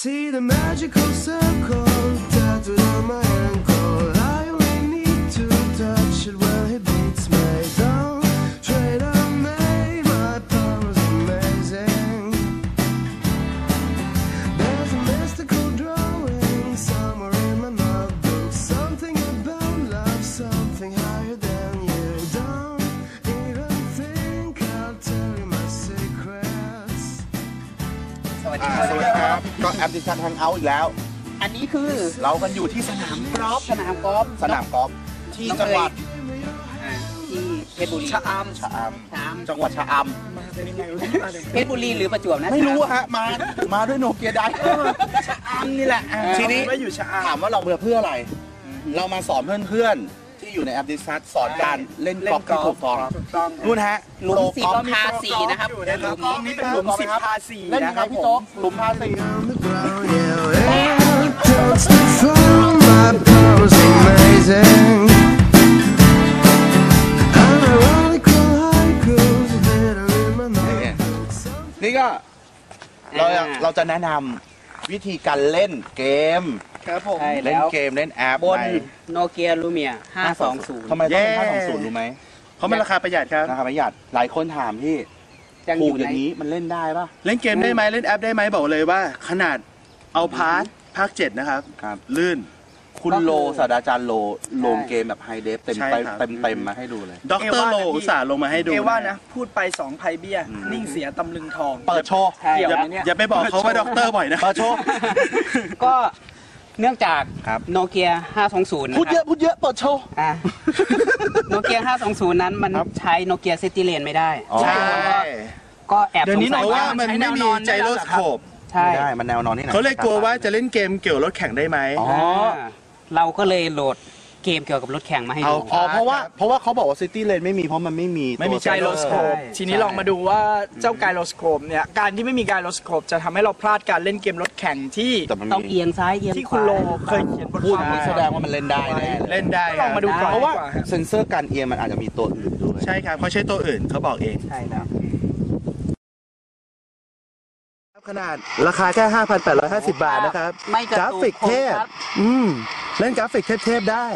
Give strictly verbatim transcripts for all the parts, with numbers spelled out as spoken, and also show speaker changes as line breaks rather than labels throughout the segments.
See the magical circle tattooed on my ankle. I only need to touch it when he beats me down. Trade on me, my power's amazing. There's a mystical drawing somewhere in my notebook. Something about love, something higher than you. Don't even think I'll tell you my secrets.
สวัสดีครับก็แอปดิชันแฮงเอาท์อีกแล้วอันนี้คือเรากันอยู่ที่สนามกอล์ฟสนามกอล์ฟสนามกอล์ฟที่จังหวัด
ที่เพชรบุรี
ชะอำชะอำจังหวัดชะอ
ำเพชรบุรีหรือประจวบนะ
ไม่รู้ฮะมามาด้วยโนเกียได้ชะอำนี่แหละทีนี้ถามว่าเราเบื่อเพื่ออะไรเรามาสอนเพื่อนๆที่อยู่ในแอปดิชันสอนการเล่นกอล์ฟที่ถูกต้องนู่นฮะ
หลุมสิบพาสี่นะครับ
ตรงนี้เป็นหลุมสิบพาสี่เล่นยังไงพี่โจ๊กหลุมพาสี่
My power's amazing. I'm ironical haikus hidden in my notebook.
นี่ก็เราเราจะแนะนำวิธีการเล่นเกม
ครับผม
เล่นเกมเล่นแอป
บนโนเกียลูเมียห้าสองศูนย์
ทำไมต้องเป็นห้าสองศูนย์รู้ไหม
เพราะมันราคาประหยัดครับ
ราคาประหยัดหลายคนถามพี่ถูกอย่างนี้มันเล่นได้ป่ะ
เล่นเกมได้ไหมเล่นแอปได้ไหมบอกเลยว่าขนาดเอาพาร์ทภาคเจ็ดนะครับลื่น
คุณโลศาสตราจารย์โลลงเกมแบบไฮเดฟเต็มเต็มเต็มมาให้ดูเลย
ด็อกเตอร์โลอุตส่าห์ลงมาให้ดู
เอว่านะพูดไปสองไพเบี้ยนิ่งเสียตำลึงทอง
เปิดโชว์
อย่าไปบอกเขาว่าด็อกเตอร์บ่อยนะ
เปิดโชว์
ก็เนื่องจากโนเกียห้าสองศูนย์
พูดเยอะพูดเยอะเปิดโชว์
โนเกียห้าสองศูนย์นั้นมันใช้โนเกียซิตี้เลนไม่ได้
ใช่
ก็แอบ
สงสัยว่ามันไม่มีไจโรสโคป
ใช่
มันแนวนอนนี่
เขาเลยกลัวว่าจะเล่นเกมเกี่ยวรถแข่งได้ไหม
อ๋อเราก็เลยโหลดเกมเกี่ยวกับรถแข่งมาให้ดู
อ๋อเพราะว่าเพราะว่าเขาบอกว่าซิตี้เลนไม่มีเพราะมันไม่มี
ไม่มีไกโรสโคปทีนี้ลองมาดูว่าเจ้าไกโรสโคปเนี่ยการที่ไม่มีไกโรสโคปจะทำให้เราพลาดการเล่นเกมรถแข่งที่
ต้องเอียงซ้ายเอียงขวา
ที่คุณโลเคยเขียนบท
ความแสดงว่ามันเล่นได้แน่
เล่นได้
ลองมาดูก่อน
เพราะว่าเซ็นเซอร์การเอียงมันอาจจะมีตัวอื่นด้วย
ใช่ครับเขาใช้ตัวอื่นเขาบอกเอง
ใช่แล้ว
ขนาดราคาแค่ ห้าพันแปดร้อยห้าสิบบาทนะครับกราฟิกเทพอืมเล่นกราฟิกเทพๆได้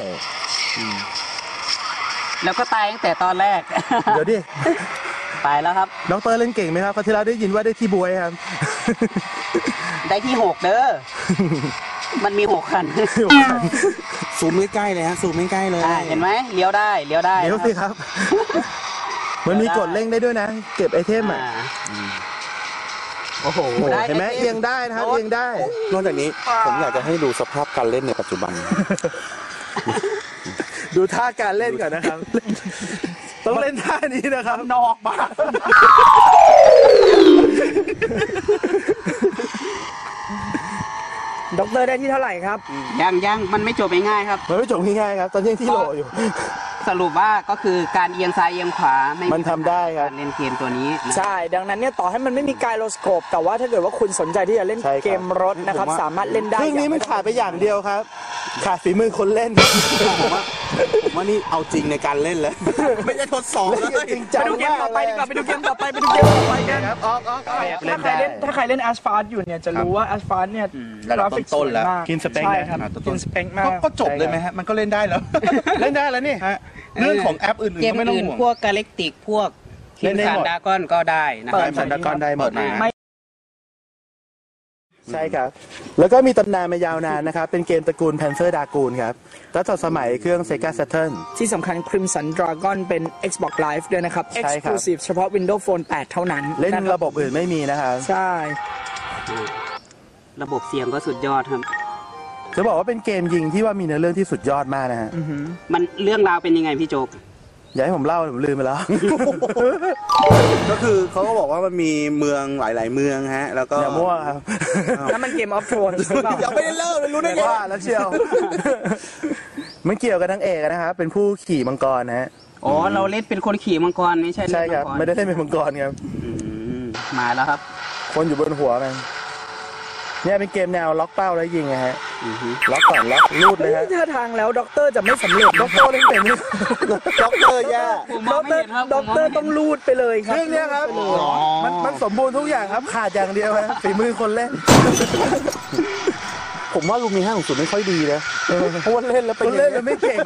แล้วก็ตายตั้งแต่ตอนแรก
เดี๋ยวดิ
ตายแล้วครับ
น้องเตอร์เล่นเก่งไหมครับเขาที่เราได้ยินว่าได้ที่บวยครับ
ได้ที่หกเด้อมันมีหกคัน
ซูมใกล้ๆเลยฮะซูมใกล้ๆเลย
เห็นไหมเลี้ยวได้เลี้ยวได้
เลี้ยวสิครับมันมีกดเร่งได้ด้วยนะเก็บไอเทมอ่ะโอ้โหเห็นไหมเอียงได้นะครับเอียงได้
นอกจากนี้ผมอยากจะให้ดูสภาพการเล่นในปัจจุบัน
ดูท่าการเล่นก่อนนะครับต้องเล่นท่านี้นะครับ
นอกบ้าน
ด็อกเตอร์ได้ที่เท่าไหร่ครับ
ยังยังมันไม่จบง่ายครับ
มันไม่จบง่ายครับตอนนี้ที่โหลอยู่
สรุปว่าก็คือการเอียงซ้ายเอียงขวา
มันทำได้ครับ
เล่นเกมตัวนี้
ใช่ดังนั้นเนี่ยต่อให้มันไม่มีไกโรสโคปแต่ว่าถ้าเกิดว่าคุณสนใจที่จะเล่นเกมรถนะครับสามารถเล่นได้
เรื่องนี้มันขาดไปอย่างเดียวครับขาดฝีมือคนเล่น
ผมว่าผมว่านี่เอาจริงในการเล่นแล้วไม่ใช่ทดสอบแล้ว
จริงจังไปดูเกมต่อไปดีกว่าไปดูเกมต่อไปไปดูเกมต่อไปกัน
ครับออกออก
ถ้าใครเล่นถ้าใครเล่นแอสฟาร์อยู่เนี่ยจะรู้ว่าแอสฟาร์เนี่ย
กราฟิกต้นแล้ว
กินสเปค
นะครับกินสเปคมาก
ก็จบเลยไหมฮะมันก็เล่นได้แล้ว
เล่นได้แล้วนี่เรื่องของแอปอื่น
ๆไม่ต้องห่วงพวกกาแล็กติกพวกเล่นได้หมดดากอนก็ได้นะครับ
สันดากอนได้หมดใช่ครับแล้วก็มีตำนานมายาวนานนะครับเป็นเกมตระกูล Panzer Dragoon ครับตั้งแต่สมัยเครื่อง Sega Saturn
ที่สำคัญ Crimson Dragon เป็น Xbox Live ด้วยนะครับ Exclusive เฉพาะ Windows Phone แปดเท่านั้น
เล่นระบบอื่นไม่มีนะครับ
ใช่
ระบบเสียงก็สุดยอดครับ
จะบอกว่าเป็นเกมยิงที่ว่ามีเนื้อเรื่องที่สุดยอดมากนะฮะ
มันเรื่องราวเป็นยังไงพี่โจ๊ก
อย่าให้ผมเล่าผมลืมไปแล้ว
ก็คือเขาก็บอกว่ามันมีเมืองหลายๆเมืองฮะแล้วก็
อย่ามั่วครับ
นั่นมันเกมออฟโทน
อย่าไม่ได้เล่าเลยรู้ได้ไง
ว่าแล้วเชียวมันเกี่ยวกับนางเอกนะครับเป็นผู้ขี่มังกรนะฮะ
อ๋อเราเล่นเป็นคนขี่มังกรไม่ใช่
ใช่ครับไม่ได้เล่นเป็นมังกรครับ
มาแล้วครับ
คนอยู่บนหัวกันเนี่ยเป็นเกมแนวล็อกเป้าแล้วยิงนะฮะล็อกก่อนล็อกลูดเลยฮะ
ท่าทางแล้วด็อกเตอร์จะไม่สำเร็จด็อกเตอร์เล่นเป็นด็อกเตอร์แย่ด็อกเตอร์ด็อกเตอร์ต้องลูดไปเลยครับ
เรื่องเนี้ยครับมันมันสมบูรณ์ทุกอย่างครับขาดอย่างเดียวฮะฝีมือคนเล่น ผมว่าลูกมีห้าของศูนย์ไม่ค่อยดีนะเพราะว่าเล่นแล้วเป็นเล่นแล้วไม่เก่ง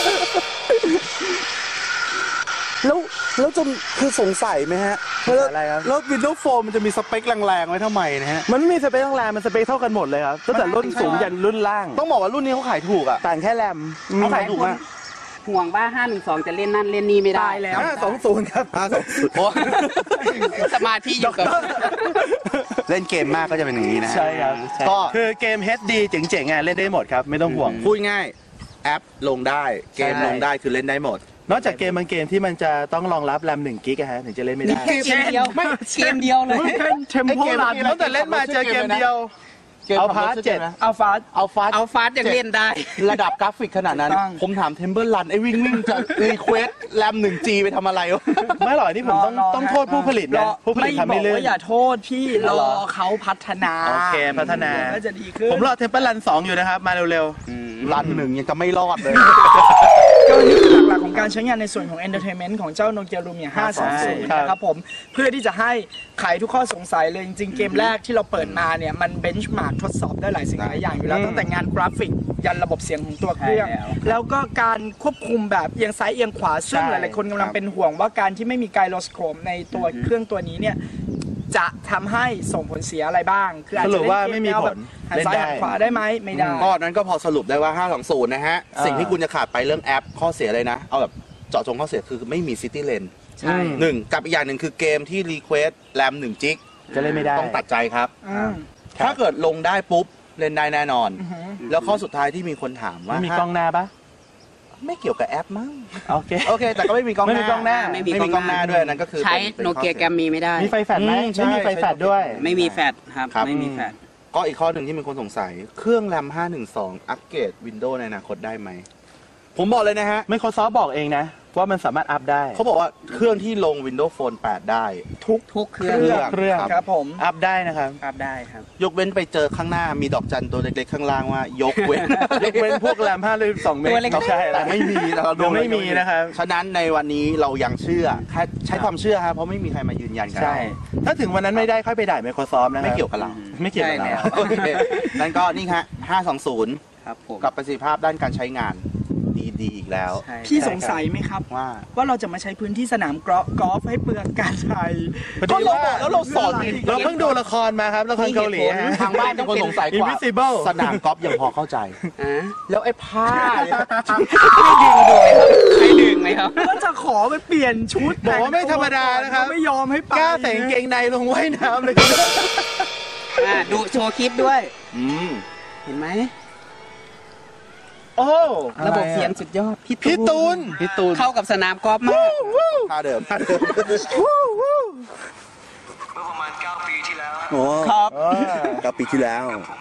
แล้วแล้วจนคือสงสัยไหมฮะอะไรครับแล้ววินโดว์โฟมมันจะมีสเปคแรงๆไว้ทำไมนะฮะมันไม่มีสเปคแรงๆมันสเปคเท่ากันหมดเลยครับตั้งแต่รุ่นสูงยันรุ่นล่างต้องบอกว่ารุ่นนี้เขาขายถูกอ่ะต่างแค่แรมเขาขายถูกมาก
ห่วงบ้าห้าหนึ่งสองจะเล่นนั่นเล่นนี่ไม่ได้
แล้ว
ห้าสองศูนย์ครับห้าสองศูนย์
สมาธิอยู่กับ
เล่นเกมมากก็จะเป็นอย่างนี้นะ
ใช่ครับก็คือเกม เอช ดี เจ๋งๆอ่ะเล่นได้หมดครับไม่ต้องห่วง
พูดง่ายแอปลงได้เกมลงได้คือเล่นได้หมด
นอกจากเกมบางเกมที่มันจะต้องรองรับแรมหนึ่งกิกะฮะถึงจะเล่นไม่ได้
เกมเดียวไม่เกมเดียวเลย
เทมโพรัน
ตั้งแต่เล่นมาเจอเกมเดียวเอาฟาสเจ็ด
เอาฟาส
เอาฟาส
เอาฟาสยังเล่นได้
ระดับกราฟิกขนาดนั้นผมถามเทมเบิลรันไอ้วิ่งวิ่งจะรีเควสแรมหนึ่งจีไปทำอะไรวะ
ไม่หรอกนี่ผมต้องต้องโทษผู้ผลิตนะผู้ผลิตทำไม่เล่น
อย่าโทษพี่รอเขาพัฒนา
โอเคพัฒนา
ก็จะดีขึ้น
ผมรอเทมเบิลรันสองอยู่นะครับมาเร็ว
ๆรันหนึ่งยังจะไม่รอดเลย
ก็นี่คือหลักๆของการใช้งานในส่วนของ Entertainment ของเจ้า Nokia Lumia ห้าสองศูนย์นะครับผมเพื่อที่จะให้ไขทุกข้อสงสัยเลยจริงๆเกมแรกที่เราเปิดมาเนี่ยมันเบนช์มาร์กทดสอบได้หลายสิ่งหลายอย่างอยู่แล้วตั้งแต่งานกราฟิกยันระบบเสียงของตัวเครื่องแล้วก็การควบคุมแบบเอียงซ้ายเอียงขวาซึ่งหลายๆคนกำลังเป็นห่วงว่าการที่ไม่มีไกโรสโคปในตัวเครื่องตัวนี้เนี่ยจะทำให้ส่งผลเสียอะไรบ้างคืออาจจะเล่นเกมแนวแบบหันซ้ายหันขวาได้ไหมไม่ได้
ก็นั้นก็พอสรุปได้ว่าห้าสองศูนย์นะฮะสิ่งที่คุณจะขาดไปเรื่องแอปข้อเสียเลยนะเอาแบบเจาะจงข้อเสียคือไม่มีซิตี้เลน
ใช่
หนึ่งกับอีกอย่างหนึ่งคือเกมที่รีเควสแรมหนึ่งจิก
จะเล่นไม่ได้
ต้องตัดใจครับถ้าเกิดลงได้ปุ๊บเล่นได้แน่นอนแล้วข้อสุดท้ายที่มีคนถามว่า
มีกล้องหน้าปะ
ไม่เกี่ยวกับแอปมั้ง
โอเค
โอเคแต่ก็ไม่มีกล้องหน้า
ไม่มีกล้องหน้า
ไม่มีกล้องหน้าด้วยนั่นก็คือ
ใช้โนเกียแกรมมีไม่ได้
มีไฟแฟลชไหมไม่มีไฟแฟลชด้วย
ไม่มีแฟลชครับไม่มีแฟลช
ก็อีกข้อหนึ่งที่มีคนสงสัยเครื่องแรมห้าหนึ่งสองอัปเกรด Windows ในอนาคตได้ไหมผมบอกเลยนะฮะ
Microsoft บอกเองนะว่ามันสามารถอัพได้
เขาบอกว่าเครื่องที่ลง Windows Phone แปดได้
ทุกทุกเครื่อง
เครื่อง
ครับผม
อัพได้นะครับ
อัพได้ครับ
ยกเว้นไปเจอข้างหน้ามีดอกจันตัวเล็กๆข้างล่างว่ายกเว้น
ยกเว้นพวกแรมห้าสิบสองเมก
ะ
ใช่
แต่ไม่มีนะครับ
ยังไม่มีนะครับ
ฉะนั้นในวันนี้เรายังเชื่อแค่ใช้ความเชื่อครับเพราะไม่มีใครมายืนยันกัน
ใช่ถ้าถึงวันนั้นไม่ได้ค่อยไปด่า Microsoft นะ
ไม่เกี่ยวกับเรา
ไม่เกี่ยวกับเรา
นั่นก็นี่ฮะห้าสองศูนย์
ครับผม
กับประสิทธิภาพด้านการใช้งานดีอีกแล้ว
พี่สงสัยไหมครับ
ว่า
ว่าเราจะมาใช้พื้นที่สนามกอล์ฟให้เปลืองการใช้
ก็เราบอกแล้วเราสอน
เราเพิ่งดูละครมาครับละครเกาหลี
ทางบ้านเป็นคนสงสัยกว่าสนามกอล์ฟยังพอเข้าใจแล้วไอ้ผ้า
ไม่ดึงด้วยครับใครดึงไหมครับ
ก็จะขอไปเปลี่ยนชุด
บอกว่าไม่ธรรมดานะครับ
ไม่ยอมให้ไป
กล้าใส่กางเกงในลงว่ายน้ำเลย
ดูโชว์คลิปด้วยเห็นไหม
โอ้
ระบบเสียงสุดยอด
พี่ตูน
พี่ตูน
เข้ากับสนามกอล์ฟมาก
ท่าเดิมท่าเดิม
เมื่อประมาณเก้าปีที่แล้ว
โอ้
ครับ
เก้าปีที่แล้ว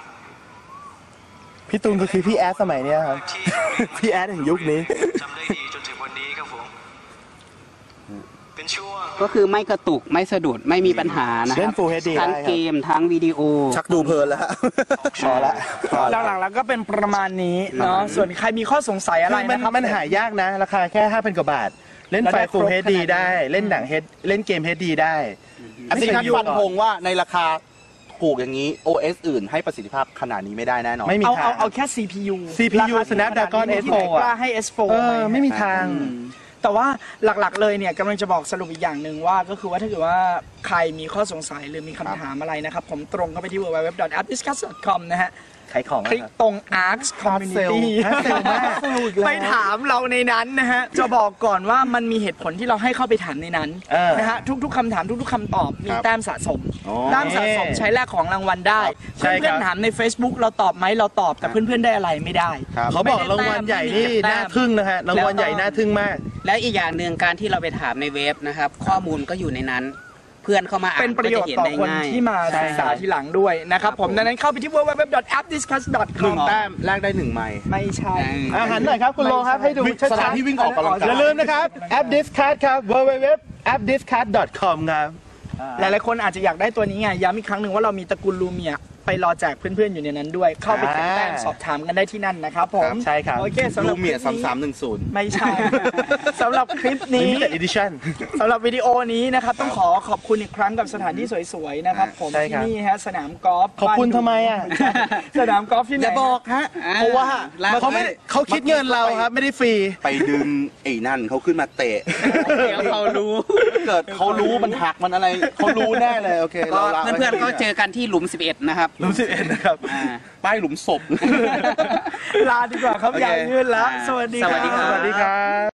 พี่ตูนก็คือพี่แอดสมัยนี้ครับพี่แอดแห่งยุคนี้
จำได้ดีจนถึงวันนี้ครับผมเป็นช่วง
ก็คือไม่กระตุกไม่สะดุดไม่มีปัญหานะครับ
เล่น Full เอช ดี
ทั้งเกมทั้งวิดีโอ
ชักดูเพลินแล้ว
พอละ
หลังๆแล้วก็เป็นประมาณนี้เนาะส่วนใครมีข้อสงสัยอะไรนะครับ
มันหายากนะราคาแค่ ห้าพัน กว่าบาทเล่นไฟ Full เอช ดี ได้เล่นหนัง เล่นเกม เอช ดี ได้
อันนี้ท่านฟันธงว่าในราคาถูกอย่างนี้ โอ เอส อื่นให้ประสิทธิภาพขนาดนี้ไม่ได้แน่นอน
ไม่มีทางเอาเอาแค่ ซี พี ยู
ซี พี ยู Snapdragon เอส โฟร์
กล้าให้ เอส โฟร์
เออไม่มีทาง
แต่ว่าหลักๆเลยเนี่ยกำลังจะบอกสรุปอีกอย่างหนึ่งว่าก็คือว่าถ้าเกิดว่าใครมีข้อสงสัยหรือมีคำถามอะไรนะครับผมตรงเข้าไปที่ ดับเบิลยู ดับเบิลยู ดับเบิลยู ดอท แอป ดิสคัส ดอท คอม นะฮะ
ขายของ
คลิกตรง Arcs Community ไปถามเราในนั้นนะฮะจะบอกก่อนว่ามันมีเหตุผลที่เราให้เข้าไปถามในนั้นนะฮะทุกๆคำถามทุกๆคำตอบมีแต้มสะสมแต้มสะสมใช้แลกของรางวัลได้เพื่อนๆถามใน Facebook เราตอบไหมเราตอบแต่เพื่อนๆได้อะไรไม่ได้
เขาบอกรางวัลใหญ่นี่น่าทึ่งนะฮะรางวัลใหญ่น่าทึ่งมาก
และอีกอย่างหนึ่งการที่เราไปถามในเว็บนะครับข้อมูลก็อยู่ในนั้นเพื่อนเข้ามาอ่าน
เป็นประโยชน์ต่อคนที่มาศึกษาทีหลังด้วยนะครับผมดังนั้นเข้าไปที่ ดับเบิลยู ดับเบิลยู ดับเบิลยู ดอท แอป ดิสคัส ดอท คอม
หนึ่งแต้มแลกได้หนึ่งไมล์
ไม่ใช่
อาหารหน่อยครับคุณโลครับให้ดู
สถานที่วิ่งออกกำลังกาย
อย่าลืมนะครับแอป Discard ครับ ดับเบิลยู ดับเบิลยู ดับเบิลยู ดอท แอป ดิสคัส ดอท คอม ครับ
หลายๆคนอาจจะอยากได้ตัวนี้ไงย้ำอีกครั้งหนึ่งว่าเรามีตระกูลลูเมียไปรอแจกเพื่อนๆอยู่ในนั้นด้วย เข้าไปแข่งแต้มสอบถามกันได้ที่นั่นนะครับผม
ใช่ครับ
โอเคสำหรั
ลู
บ
เมียสามสามหนึ่งศูนย์
ไม่ใช่ สำหรับคลิปนี้
Limited Edition
สำหรับวิดีโอนี้นะครับต้องขอขอบคุณอีกครั้งกับสถานที่สวยๆนะครับผม
ใช่ค
ที่
รับ
นี่ฮะสนามกอล์ฟ
ขอบคุณ
บ้าน
ทำไมอ่ะ
สนามกอล์ฟที่ไหน
อย่าบอกฮะ
เพราะว่าเขาไม่เขาคิดเงินเราครับไม่ได้ฟรี
ไปดึงไอ้นั่นเขาขึ้นมาเตะ
เดี๋ยวเขารู้
เกิดเขารู้มันหักมันอะไรเขารู้แน่เลยโอเค
ก็
เราละ
เพื่อนๆก็เจอกันที่หลุมสิบเอ็ดนะครับ
หลุมสิบเอ็ดนะครับ
อ่า
ป้ายหลุมศพ
ลาดีกว่าครับ
โอเค
ใหญ่ยืนแล้ว สวัสดี
สวัสดีครับ
สวัสดีครับ